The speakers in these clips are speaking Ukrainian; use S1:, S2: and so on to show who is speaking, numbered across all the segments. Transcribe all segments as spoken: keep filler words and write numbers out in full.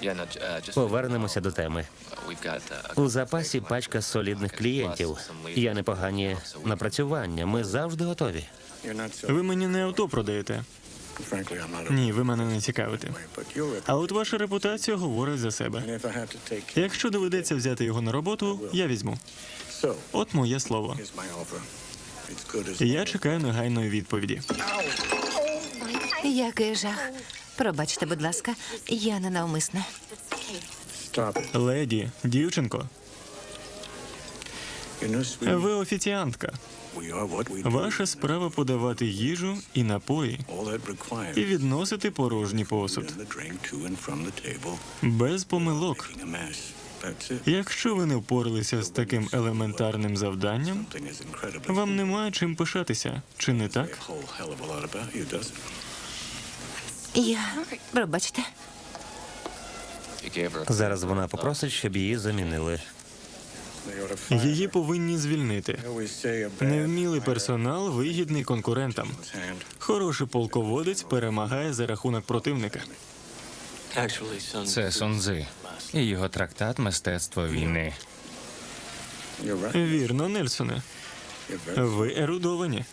S1: Повернемося до теми. У запасі пачка солідних клієнтів. Є непогані напрацювання. Ми завжди готові.
S2: Ви мені не авто продаєте. Ні, ви мене не цікавите. А от ваша репутація говорить за себе. Якщо доведеться взяти його на роботу, я візьму. От моє слово. Я чекаю негайної відповіді.
S3: Який жах. Пробачте, будь ласка, я ненавмисне.
S2: Леді, дівчинко, ви офіціантка. Ваша справа подавати їжу і напої і відносити порожній посуд. Без помилок. Якщо ви не впоралися з таким елементарним завданням, вам немає чим пишатися, чи не так?
S3: Я... Пробачте.
S1: Зараз вона попросить, щоб її замінили.
S2: Її повинні звільнити. Невмілий персонал вигідний конкурентам. Хороший полководець перемагає за рахунок противника.
S4: Це Сун Цзи і його трактат «Мистецтво війни».
S2: Вірно, Нельсоне. Ви ерудовані.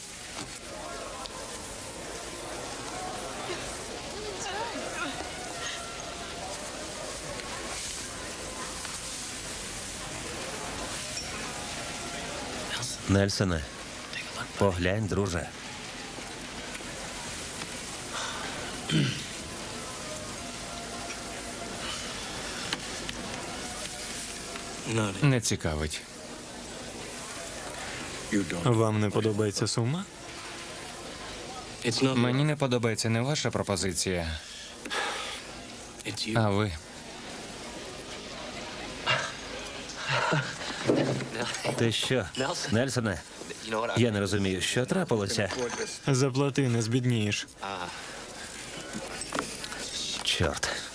S1: Нельсоне, поглянь, друже.
S4: Не цікавить.
S2: Вам не подобається сума?
S4: Мені не подобається не ваша пропозиція, а ви.
S1: Ти що, Нельсоне? Я не розумію, що трапилося.
S2: Заплати, не збіднієш.
S1: Чорт.